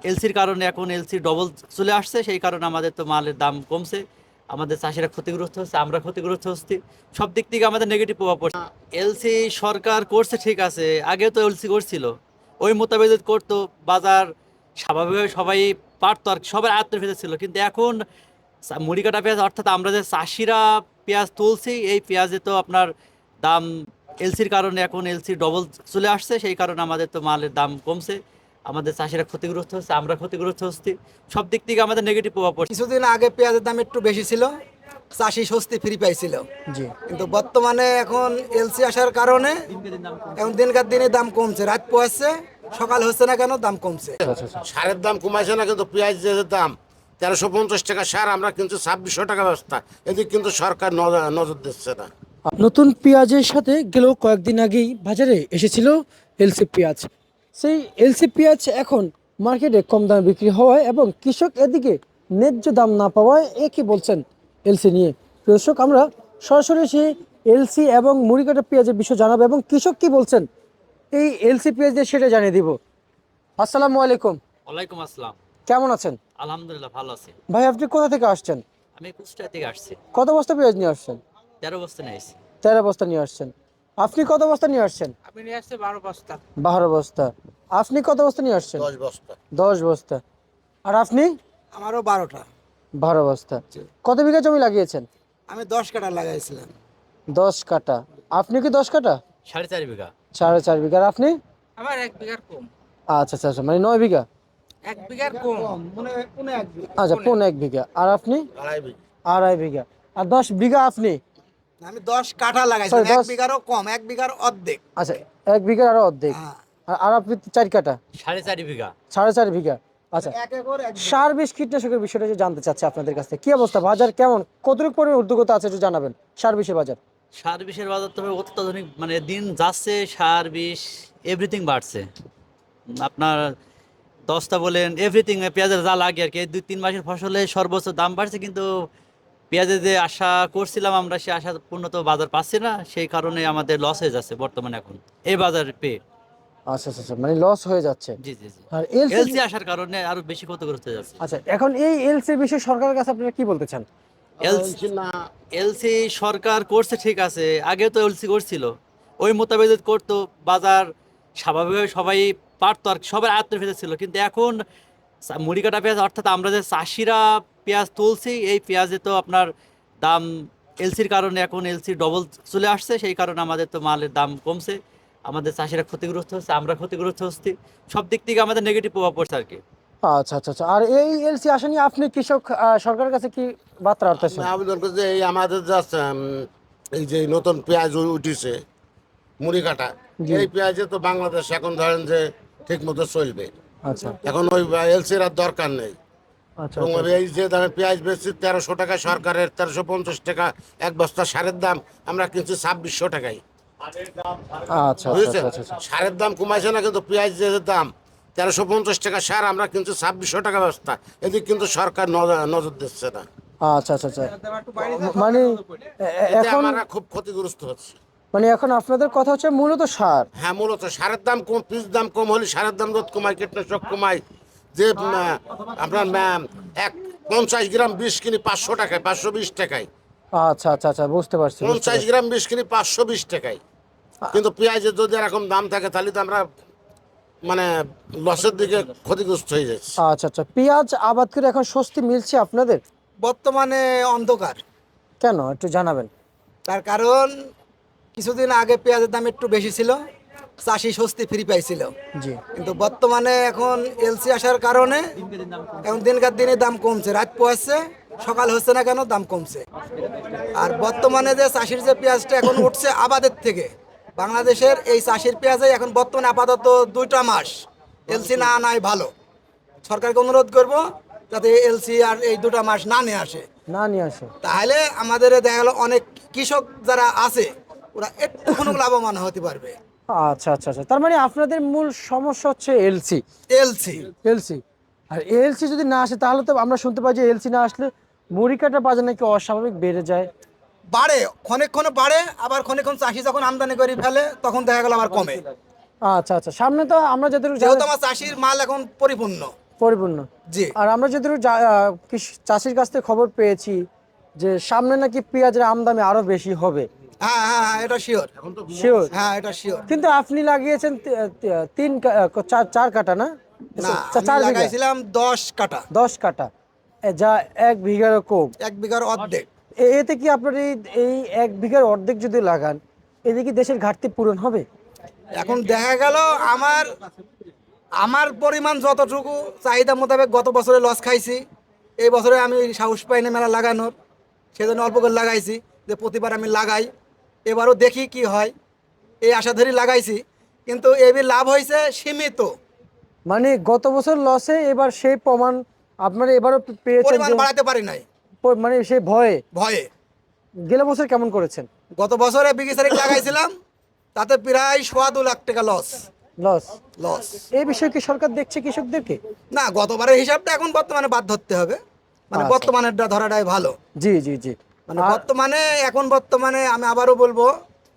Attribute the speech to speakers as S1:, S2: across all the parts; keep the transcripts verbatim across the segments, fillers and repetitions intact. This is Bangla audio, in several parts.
S1: এলসির কারণে এখন এলসি ডবল চলে আসছে, সেই কারণে আমাদের তো মালের দাম কমছে, আমাদের চাষিরা ক্ষতিগ্রস্ত হচ্ছে, আমরা ক্ষতিগ্রস্ত হচ্ছি, সব দিক থেকে আমাদের নেগেটিভ প্রভাব পড়ছে। এলসি সরকার করছে ঠিক আছে, আগেও তো এলসি করছিল, ওই মোতাবেক যদি করতো বাজার স্বাভাবিকভাবে সবাই পারতো আর কি, সবার আয়ত্তের ভেতর ছিল। কিন্তু এখন চা- মুড়ি কাটা পেঁয়াজ অর্থাৎ আমরা যে চাষিরা পেঁয়াজ তুলছি, এই পেঁয়াজে তো আপনার দাম এলসির কারণে এখন এলসি ডবল চলে আসছে, সেই কারণে আমাদের তো মালের দাম কমছে, আমাদের চাষিরা ক্ষতিগ্রস্ত হচ্ছে, আমরা ক্ষতিগ্রস্ত হচ্ছি, সব দিক থেকে আমাদের নেগেটিভ প্রভাব পড়ছে।
S2: কিছুদিন আগে পেঁয়াজের দাম একটু বেশি ছিল, চাষি স্বস্তি ফ্রি পাইছিল।
S3: জি।
S2: কিন্তু বর্তমানে এখন এলসি আসার কারণে এখন দিনকার দিনে দাম কমছে, রাত পোয়াচ্ছে, সকাল হচ্ছে না কেন দাম কমছে।
S3: আচ্ছা আচ্ছা।
S4: সারের দাম কমাইছে না, কিন্তু পেঁয়াজ যে দাম তেরোশো পঞ্চাশ টাকা সার, আমরা কিন্তু ছাব্বিশশো টাকা ব্যবস্থা, এদিকে কিন্তু সরকার নজ- নজর দিচ্ছে না।
S3: নতুন পেঁয়াজের সাথে গেল কয়েকদিন আগেই বাজারে এসেছিল এলসি পেঁয়াজ। সেই এলসি পেঁয়াজ এখন মার্কেটে কম দামে বিক্রি হওয়ায় এবং কৃষক এদিকে ন্যায্য দাম না পাওয়ায় এ কি বলছেন এলসি নিয়ে। দর্শক, আমরা সরাসরি সেই এলসি এবং মুড়ি কাটা পেঁয়াজের বিষয় জানাবো এবং কৃষক কি বলছেন এই এলসি পেঁয়াজ দিয়ে সেটা জানিয়ে দিব। আসসালামু আলাইকুম,
S1: ওয়ালাইকুম আসসালাম।
S3: কেমন আছেন?
S1: আলহামদুলিল্লাহ ভালো আছি।
S3: ভাই আপনি কোথা থেকে আসছেন?
S1: আমি কুষ্টিয়া থেকে আসছি,
S3: কত বস্তা পেঁয়াজ নিয়ে আসছেন?
S1: তেরো বস্তা নিয়ে আসছি।
S3: তেরো বস্তা নিয়ে আসছেন। আপনি কত বস্তা নিয়ে আসছেন?
S2: আমি নিয়ে আসছি বারো বস্তা।
S3: বারো বস্তা। আপনি কত বস্তা নিয়ে আসছেন?
S4: দশ বস্তা।
S3: দশ বস্তা। আর আপনি?
S2: আমারও বারোটা।
S3: বারো বস্তা। কত বিঘা জমি লাগিয়েছেন?
S2: আমি দশ কাটা লাগাইছিলাম।
S3: দশ কাটা। আপনি কি দশ কাটা?
S1: সাড়ে চার বিঘা।
S3: সাড়ে চার বিঘা। আর আপনি?
S2: আমার এক বিঘার কম।
S3: আচ্ছা আচ্ছা আচ্ছা, মানে নয় বিঘা।
S2: এক বিঘার কম মনে মনে এক বিঘা।
S3: আচ্ছা, পৌনে এক বিঘা। আর আপনি?
S4: আড়াই বিঘা।
S3: আড়াই বিঘা। আর দশ বিঘা আপনি?
S2: আমি দশ কাঠা লাগাইছিলাম,
S3: Sorry,
S2: এক
S3: দশ-
S2: বিঘারও কম, এক বিঘার অর্ধেক।
S3: আচ্ছা, এক বিঘার আরো অর্ধেক।
S2: হ্যাঁ।
S3: আর- আর আপনি তো চার কাটা।
S1: সাড়ে চার বিঘা।
S3: সাড়ে চার বিঘা। আচ্ছা,
S2: এক একর এক বিঘা।
S3: সার বিষ কীটনাশকের বিষয়টা যে জানতে চাচ্ছি আপনাদের কাছে, কি অবস্থা, বাজার কেমন, কতটুকু পরিমাণ উদ্যোগতা আছে একটু জানাবেন সার বিষের বাজার।
S1: সার বিষের বাজার তবে অত্যাধুনিক, মানে দিন যাচ্ছে সার বিষ এভরিথিং বাড়ছে। আপনার দশটা বলেন এভরিথিং, পেঁয়াজের যা লাগে আর কি, এই দুই তিন মাসের ফসলে সর্বোচ্চ দাম বাড়ছে, কিন্তু পেঁয়াজের যে আশা করছিলাম আমরা, সে আশা পূর্ণ তো বাজার পাচ্ছি না, সেই কারণে আমাদের লস হয়ে যাচ্ছে বর্তমানে এখন এই বাজার পেয়ে।
S3: আচ্ছা আচ্ছা আচ্ছা, মানে লস হয়ে যাচ্ছে।
S1: জি জি জি।
S3: আর এলসি,
S1: এলসি আসার কারণে আরো বেশি ক্ষতিগ্রস্ত হয়ে যাচ্ছে।
S3: আচ্ছা, এখন এই এলসির বিষয়ে সরকারের কাছে আপনারা কি বলতে চান?
S1: এলসি
S4: না,
S1: এলসি সরকার করছে ঠিক আছে, আগেও তো এলসি করছিল, ওই মোতাবেক যদি করতো বাজার স্বাভাবিকভাবে সবাই পারতো আর কি, সবার আয়ত্তের ভেতর ছিল। কিন্তু এখন চা- মুড়ি কাটা পেঁয়াজ অর্থাৎ আমরা যে চাষিরা পেঁয়াজ তুলছি, এই পেঁয়াজে তো আপনার দাম এলসির কারণে এখন এলসি ডবল চলে আসছে, সেই কারণে আমাদের তো মালের দাম কমছে, আমাদের চাষিরা ক্ষতিগ্রস্ত হচ্ছে, আমরা ক্ষতিগ্রস্ত হচ্ছি, সব দিক থেকে আমাদের নেগেটিভ প্রভাব পড়ছে আর কি।
S3: আচ্ছা আচ্ছা আচ্ছা। আর এই এলসি আসা নিয়ে আপনি কৃষক আহ, সরকারের কাছে কি বার্তা রাখতেছেন?
S4: আমি আবেদন করছি যে এই আমাদের যা উম, এই যে নতুন পেঁয়াজ উ- উঠিছে মুড়ি কাটা, এই পেঁয়াজে তো বাংলাদেশ এখন ধরেন যে ঠিক মতো চলবে,
S3: আচ্ছা
S4: এখন ওই এলসির আর দরকার নেই।
S3: আচ্ছা
S4: এবং
S3: আচ্ছা
S4: এই যে দামে পেঁয়াজ বেচছি তেরোশো টাকা সরকারের, তেরোশো পঞ্চাশ টাকা এক বস্তা সারের দাম, আমরা কিনছি ছাব্বিশশো টাকায়।
S3: আচ্ছা আচ্ছা
S4: বুঝেছেন,
S3: আচ্ছা আচ্ছা।
S4: সারের দাম কমাইছে না, কিন্তু পেঁয়াজ যে দাম তেরোশো পঞ্চাশ টাকা সার, আমরা কিন্তু ছাব্বিশশো টাকা ব্যবস্থা, এদিকে কিন্তু সরকার নজ- নজর দিচ্ছে না।
S3: আচ্ছা আচ্ছা আচ্ছা, মানে এ- এ-
S4: এতে
S3: এখন
S4: আমরা খুব ক্ষতিগ্রস্ত হচ্ছে।
S3: মানে এখন আপনাদের কথা হচ্ছে মূলত সার।
S4: হ্যাঁ, মূলত সারের দাম কম, পিস দাম কম হলে সারের দাম রোধ কমায়, কীটনাশক কমায়, যে উম, আপনার উম, এক পঞ্চাশ গ্রাম বিষ কিনি পাঁচশো টাকায়, পাঁচশো বিশ টাকায়,
S3: আচ্ছা আচ্ছা আচ্ছা, বুঝতে পারছি বুঝতে
S4: পঞ্চাশ
S3: পারছি।
S4: গ্রাম বিষ কিনি পাঁচশো বিশ টাকায়। কিন্তু পেঁয়াজের যদি এরকম দাম থাকে তাহলে তো আমরা মানে লসের দিকে ক্ষতিগ্রস্ত হয়ে যাচ্ছে।
S3: আচ্ছা আচ্ছা, পেঁয়াজ আবাদ করে এখন স্বস্তি মিলছে আপনাদের?
S2: বর্তমানে অন্ধকার।
S3: কেন একটু জানাবেন।
S2: তার কারণ কিছুদিন আগে পেঁয়াজের দাম একটু বেশি ছিল, চাষি স্বস্তি ফ্রি পাইছিল।
S3: জি।
S2: কিন্তু বর্তমানে এখন এলসি আসার কারণে এখন দিনকার দিনে দাম কমছে, রাত পোয়াচ্ছে, সকাল হচ্ছে না কেন দাম কমছে। আর বর্তমানে যে চাষির যে পেঁয়াজটা এখন উঠছে আবাদের থেকে, বাংলাদেশের এই চাষির পেঁয়াজে এখন বর্তমানে আপাতত দুইটা মাস এলসি না আনাই ভালো। সরকারকে অনুরোধ করব যাতে এলসি আর এই দুটা মাস না নিয়ে আসে,
S3: না নিয়ে আসে।
S2: তাহলে আমাদের দেখা গেল অনেক কৃষক যারা আছে ওরা একটুখানি লাভবান হতে পারবে।
S3: আচ্ছা আচ্ছা আচ্ছা, তার মানে আপনাদের মূল সমস্যা হচ্ছে এলসি।
S2: LC
S3: LC. আর এলসি যদি না আসে তাহলে তো আমরা শুনতে পাই যে এলসি না আসলে মুড়ি কাটার বাজার নাকি অস্বাভাবিক বেড়ে যায়।
S2: বাড়ে, ক্ষণে বাড়ে, আবার ক্ষণে চাষি যখন আমদানি করে ফেলে তখন দেখা গেল আবার কমে।
S3: আচ্ছা আচ্ছা, সামনে তো আমরা যতটুকু
S2: যেহেতু
S3: জানি-
S2: আমার চাষির মাল এখন পরিপূর্ণ,
S3: পরিপূর্ণ।
S2: জি
S3: আর আমরা যদিও যা- আহ, কৃষ- চাষির কাছ থেকে খবর পেয়েছি যে সামনে নাকি পেঁয়াজের আমদানি আরো বেশি হবে,
S2: হ্যাঁ হ্যাঁ হ্যাঁ এটা শিওর।
S3: শিওর।
S2: হ্যাঁ এটা শিওর।
S3: কিন্তু আপনি লাগিয়েছেন তি- তি- তিন কা- আহ, চার চার কাটা না?
S2: না
S3: চা-
S2: আমি
S3: চার বিঘা,
S2: লাগাইছিলাম দশ কাটা,
S3: দশ কাটা, এ যা এক বিঘারও কম।
S2: এক বিঘার অর্ধেক।
S3: এ- এতে কি আপনার এই এই এক বিঘার অর্ধেক যদি লাগান, এতে কি দেশের ঘাটতি পূরণ হবে?
S2: এখন দেখা গেল আমার আমার পরিমাণ যতটুকু চাহিদা মোতাবেক গত বছরে লস খাইছি, এই বছরে আমি সাহস পাইনি মেলা লাগানোর, সেজন্য অল্প করে লাগাইছি যে প্রতিবার আমি লাগাই, এবারও দেখি কি হয়, এই আশা ধরি লাগাইছি। কিন্তু এবার লাভ হয়েছে সীমিত,
S3: মানে গত বছর লসে এবার সেই প্রমাণ আপনারা এবারও পে- পেয়েছেন
S2: পরিমাণ
S3: যে
S2: বাড়াতে পারি নাই
S3: প- মানে সেই ভয়ে।
S2: ভয়ে।
S3: গেল বছর কেমন করেছেন?
S2: গত বছরে বিঘি তারিখ লাগাইছিলাম, তাতে প্রায় সোয়া দু লাখ টাকা লস
S3: লস।
S2: লস
S3: এই বিষয়ে কি সরকার দেখছে কৃষকদেরকে?
S2: না, গতবারের হিসাবটা এখন বর্তমানে বাদ ধরতে হবে, মানে
S3: আচ্ছা।
S2: বর্তমানেরটা ধরাটাই ভালো।
S3: জি জি জি।
S2: মানে
S3: আর-
S2: বর্তমানে এখন বর্তমানে আমি আবারও বলবো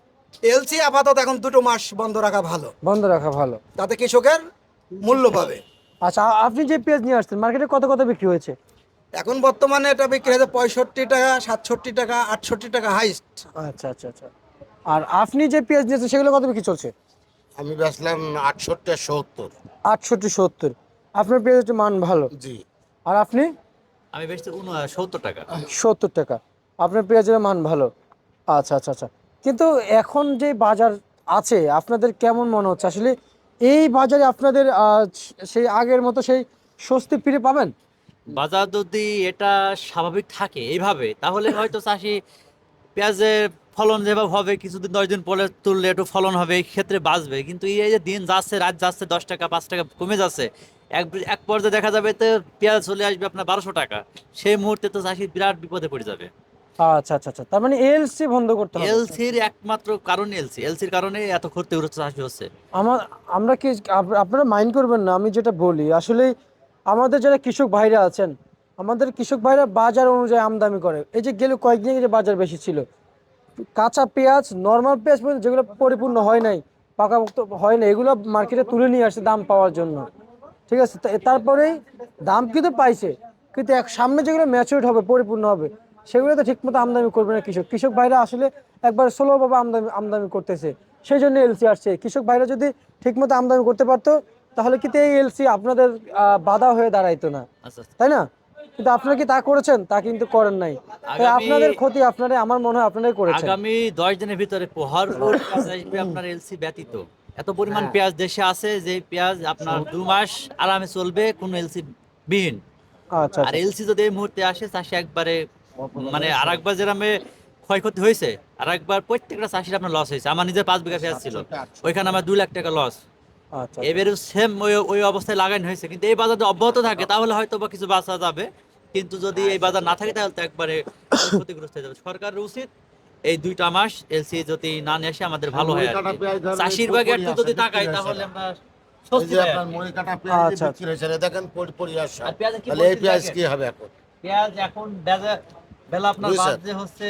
S2: এলসি আপাতত এখন দুটো মাস বন্ধ রাখা ভালো,
S3: বন্ধ রাখা ভালো।
S2: তাতে কৃষকের মূল্য পাবে।
S3: আচ্ছা, আ- আপনি যে পেঁয়াজ নিয়ে আসছেন মার্কেটে কত কত বিক্রি হয়েছে?
S2: এখন বর্তমানে এটা বিক্রি হয়েছে পঁয়ষট্টি টাকা, সাতষট্টি টাকা, আটষট্টি টাকা হাইস্ট।
S3: আচ্ছা আচ্ছা আচ্ছা। আর আপনি যে পেঁয়াজ নিয়েছেন সেগুলো কত বিক্রি চলছে?
S4: আমি বেচলাম আটষট্টি আর সত্তর।
S3: আটষট্টি সত্তর। আপনার পেঁয়াজের মান ভালো।
S4: জি
S3: আর আপনি?
S1: আমি বেশি সত্তর টাকা।
S3: সত্তর টাকা। আপনার পেঁয়াজের মান ভালো। আচ্ছা আচ্ছা আচ্ছা। কিন্তু এখন যে বাজার আছে আপনাদের কেমন মনে হচ্ছে আসলে এই বাজারে আপনাদের আহ, সেই আগের মতো সেই স্বস্তি ফিরে পাবেন?
S1: বাজার যদি এটা স্বাভাবিক থাকে এইভাবে, তাহলে হয়তো চাষি পেঁয়াজের ফলন যেভাবে হবে, কিছুদিন দশ দিন পরে তুললে একটু ফলন হবে, এই ক্ষেত্রে বাঁচবে। কিন্তু এই যে দিন যাচ্ছে, রাত যাচ্ছে, দশ টাকা পাঁচ টাকা কমে যাচ্ছে, এক এক পর্যায়ে দেখা যাবে তো পেঁয়াজ চলে আসবে আপনার বারোশো টাকা। সেই মুহূর্তে তো চাষি বিরাট বিপদে পড়ে যাবে।
S3: আচ্ছা আচ্ছা আচ্ছা। তার মানে এলসি বন্ধ করতে হবে।
S1: এলসির একমাত্র কারণ এলসি এলসির কারণে এত ক্ষতিগ্রস্ত চাষি হচ্ছে।
S3: আমার আমরা কি আপ- আপনারা মাইন্ড করবেন না আমি যেটা বলি, আসলে আমাদের যারা কৃষক ভাইরা আছেন, আমাদের কৃষক ভাইরা বাজার অনুযায়ী আমদানি করে। এই যে গেল কয়েকদিন আগে যে বাজার বেশি ছিল, কাঁচা পেঁয়াজ, নর্মাল পেঁয়াজ পর্যন্ত যেগুলো পরিপূর্ণ হয় নাই, পাকাপোক্ত হয় না, এগুলো মার্কেটে তুলে নিয়ে আসছে দাম পাওয়ার জন্য। ঠিক আছে, তা- তারপরেই দাম কিন্তু পাইছে, কিন্তু এক সামনে যেগুলো ম্যাচিউরড হবে, পরিপূর্ণ হবে, সেগুলো তো ঠিকমতো আমদানি করবে না কৃষক। কৃষক ভাইরা আসলে একবার স্লোভাবে আমদানি আমদানি করতেছে, সেই জন্য এলসি আসছে। কৃষক ভাইরা যদি ঠিকমতো আমদানি করতে পারতো তাহলে কিন্তু এই এলসি আপনাদের আহ, বাধা হয়ে দাঁড়াইতো না,
S1: আচ্ছা আচ্ছা।
S3: তাই না? কিন্তু আপনারা কি তা করেছেন? তা কিন্তু করেন নাই। তাই
S1: আগামী-
S3: আপনাদের ক্ষতি আপনারা, আমার মনে হয় আপনারাই করেছেন।
S1: আগামী দশ দিনের ভিতরে ভরপুর পেঁয়াজ আসবে আপনার এলসি ব্যতীত। এত পরিমাণ
S3: হ্যাঁ।
S1: পেঁয়াজ দেশে আছে যে পেঁয়াজ আপনার দু মাস আরামে চলবে কোনো এলসি বিহীন।
S3: আচ্ছা
S1: আর
S3: আচ্ছা
S1: এলসি যদি এই মুহূর্তে আসে, চাষি একবারে মানে আর একবার যেরামে ক্ষয়ক্ষতি হয়েছে, আর একবার প্রত্যেকটা চাষির আপনার লস হয়েছে। আমার নিজের পাঁচ বিঘা পেঁয়াজ ছিল, ওইখানে আমার দুই লাখ টাকা লস।
S3: আচ্ছা।
S1: এবারে সেম ওই ওই অবস্থায় লাগানো হয়েছে। কিন্তু এই বাজার যদি অব্যাহত থাকে তাহলে হয়তো বা কিছু বাঁচা যাবে, কিন্তু যদি এই বাজার না থাকে তাহলে তো একবারে ক্ষতিগ্রস্ত হয়ে যাবে। সরকারের উচিত এই দুইটা মাস এলসি যদি না নিয়ে আসে আমাদের ভালো হয় আর কি। চাষির ভাগে একটু যদি তাকাই তাহলে আমরা
S4: এই
S1: স্বস্তি
S4: যে
S1: পাই আর
S4: আপনার
S1: কি।
S4: মুড়ি কাটা পেঁয়াজ যে
S3: আচ্ছা,
S4: বিক্রি হয়েছে, দেখেন পরি- পরিহাস সব।
S1: আর পেঁয়াজের কি
S4: তাহলে এই
S1: বলতে
S4: পেঁয়াজ
S1: দেখেন?
S4: কি হবে এখন?
S1: পেঁয়াজ এখন বেজা- বেলা আপনার
S4: বুঝছেন?
S1: বাজে হচ্ছে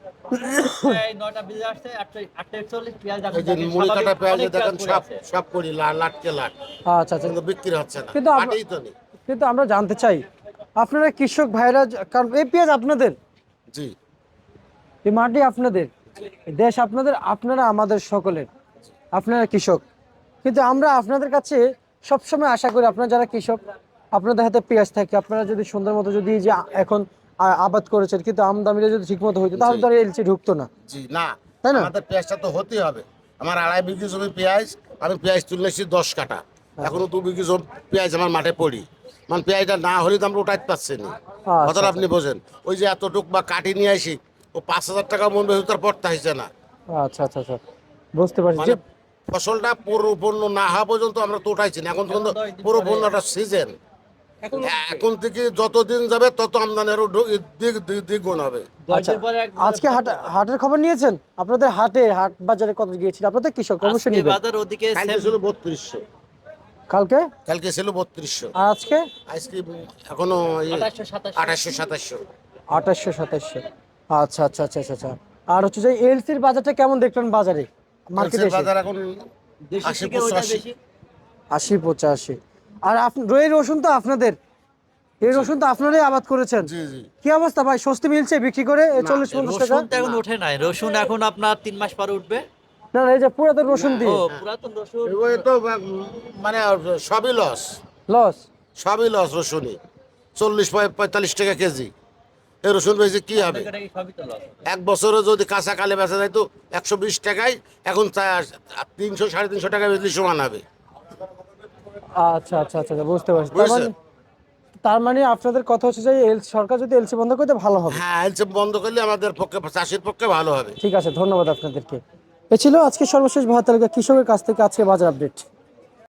S1: প্রায় নয়টা বেজে আসছে, আটটা আটটা একচল্লিশ। পেঁয়াজ এখন
S4: এই যে
S1: দেখেন
S4: মুড়ি
S1: স্বাভাবিক
S4: কাটা পেঁয়াজ
S1: অনেক
S4: দেখেন
S1: পড়ে
S4: সব
S1: আছে।
S4: সব করি লা- লাটকে লাট,
S3: আচ্ছা আচ্ছা।
S4: কিন্তু বিক্রি হচ্ছে না,
S3: কিন্তু আমরা-
S4: হাটেই তো নেই।
S3: কিন্তু আমরা জানতে চাই আপনারা কৃষক ভাইরা যে- কারণ এই পেঁয়াজ আপনাদের,
S4: জি
S3: এই মাটি আপনাদের, এই দেশ আপনাদের, আপনারা আমাদের সকলের, আপনারা কৃষক। কিন্তু আমরা আপনাদের কাছে সবসময় আশা করি আপনারা যারা কৃষক, আপনাদের হাতে পেঁয়াজ থাকে, আপনারা যদি সুন্দর মতো যদি এই যে আ- এখন আ- আবাদ করেছেন, কিন্তু আমদানিটা যদি ঠিক মতো হইতো তাহলে তো আর এলসি ঢুকতো না।
S4: জি না,
S3: তাই না?
S4: আমাদের পেঁয়াজটা তো হতেই হবে। আমার আড়াই বিঘি জমি পেঁয়াজ, আমি পেঁয়াজ তুলেছি দশ কাটা, এখনো দু বিঘি জমি পেঁয়াজ আমার মাঠে পড়ি, মানে পেঁয়াজটা না হলে তো আমরা উঠাইতে পারছি না।
S3: আচ্ছা,
S4: কথাটা আপনি বোঝেন, ওই যে এতটুক বা কাটি নিয়ে আসি, ও পাঁচ হাজার টাকা মন বেশি তার পড়তে হয়েছে না।
S3: আচ্ছা আচ্ছা আচ্ছা, বুঝতে পারছি
S4: মানে
S3: যে
S4: ফসলটা পরিপূর্ণ না হওয়া পর্যন্ত আমরা তো উঠাইছি না, এখন কিন্তু পরিপূর্ণ একটা সিজন। এখন থেকে যতদিন যাবে তত আমদানি আরো ঢু- দিক দিক- দ্বিগুণ হবে।
S1: দশ
S3: আচ্ছা,
S1: দিন পরে এক-
S3: আজকে হাট হাটের খবর নিয়েছেন? আপনাদের হাটে হাট বাজারে কত গিয়েছিল? আপনাদের কৃষক অবশ্যই
S1: আজকে
S3: নেবেন।
S1: বাজার ওদিকে
S4: কালকে
S1: same-
S4: ছিল বত্রিশশো,
S3: কালকে
S4: কালকে ছিল বত্রিশশো,
S3: আর আজকে
S4: আজকে এখনো
S1: আঠাশশো, সাতাশশো।
S4: আঠাশশো সাতাশশো।
S3: আঠাশশো সাতাশশো। আচ্ছা আচ্ছা আচ্ছা আচ্ছা আচ্ছা। আর হচ্ছে যে এলসির বাজারটা কেমন দেখলেন বাজারে, মার্কেটে
S4: মার্কেটের
S3: এসে?
S4: বাজার এখন
S1: দেশের
S4: আশি
S1: থেকে ওইটা
S4: পঁচাশি।
S1: বেশি।
S3: আশি পঁচাশি। আর আপ- এই রসুন তো আপনাদের, এই রসুন তো আপনারাই আবাদ করেছেন।
S4: জি জি
S3: কি অবস্থা ভাই, স্বস্তি মিলছে বিক্রি করে চল্লিশ পঞ্চাশ টাকা?
S1: রসুন তো এখন ওঠে নাই, রসুন এখন আপনার তিন মাস পরে উঠবে।
S3: না না, এই যে পুরাতন রসুন
S1: ও
S3: দিয়ে
S1: পুরাতন রসুন
S4: এগুলো তো মানে সবই লস,
S3: লস।
S4: সবই লস। রসুনই চল্লিশ পঁয়তাল্লিশ টাকা কেজি, এই রসুন বেশি কি হবে?
S1: এটা কি সবই তো লস।
S4: এক বছরে যদি কাঁচা কালে বেচা যায় তো একশো বিশ টাকায়, এখন তিনশো সাড়ে তিনশো টাকা বেচলে সমান হবে।
S3: আচ্ছা আচ্ছা আচ্ছা আচ্ছা, বুঝতে পারছি। তার মানে
S4: বুঝছেন?
S3: তার মানে আপনাদের কথা হচ্ছে যে এল সরকার যদি এলসি বন্ধ করতে ভালো হবে।
S4: হ্যাঁ, এলসি বন্ধ করলে আমাদের পক্ষে, চাষির পক্ষে ভালো হবে।
S3: ঠিক আছে, ধন্যবাদ আপনাদেরকে। এ ছিল আজকে সর্বশেষ ভারত তালিকা কৃষকের কাছ থেকে আজকে বাজার আপডেট।